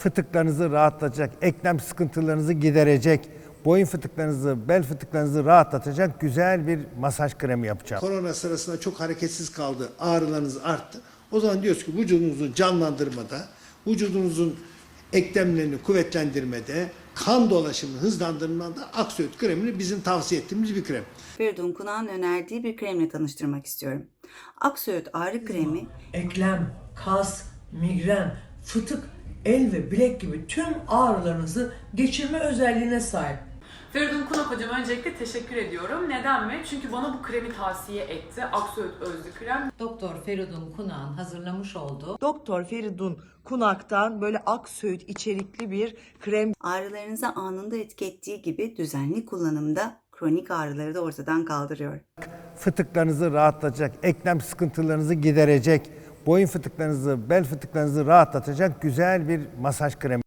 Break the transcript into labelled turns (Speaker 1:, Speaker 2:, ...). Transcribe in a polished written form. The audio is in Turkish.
Speaker 1: fıtıklarınızı rahatlatacak, eklem sıkıntılarınızı giderecek, boyun fıtıklarınızı, bel fıtıklarınızı rahatlatacak güzel bir masaj kremi yapacağım.
Speaker 2: Korona sırasında çok hareketsiz kaldı, ağrılarınız arttı. O zaman diyoruz ki vücudunuzu canlandırmada, vücudunuzun eklemlerini kuvvetlendirmede, kan dolaşımını hızlandırmada Aksöğüt kremini bizim tavsiye ettiğimiz bir krem.
Speaker 3: Feridun Kunak'ın önerdiği bir kremle tanıştırmak istiyorum. Aksöğüt ağrı kremi
Speaker 4: Eklem, kas, migren, fıtık, el ve bilek gibi tüm ağrılarınızı geçirme özelliğine sahip.
Speaker 5: Feridun Kunak hocam öncelikle teşekkür ediyorum. Neden mi? Çünkü bana bu kremi tavsiye etti. Aksöğüt özlü krem.
Speaker 6: Doktor Feridun Kunak'ın hazırlamış olduğu
Speaker 7: Doktor Feridun Kunak'tan böyle Aksöğüt içerikli bir krem
Speaker 3: ağrılarınızı anında etki ettiği gibi düzenli kullanımda kronik ağrıları da ortadan kaldırıyor.
Speaker 1: Fıtıklarınızı rahatlatacak, eklem sıkıntılarınızı giderecek, boyun fıtıklarınızı, bel fıtıklarınızı rahatlatacak güzel bir masaj kremi.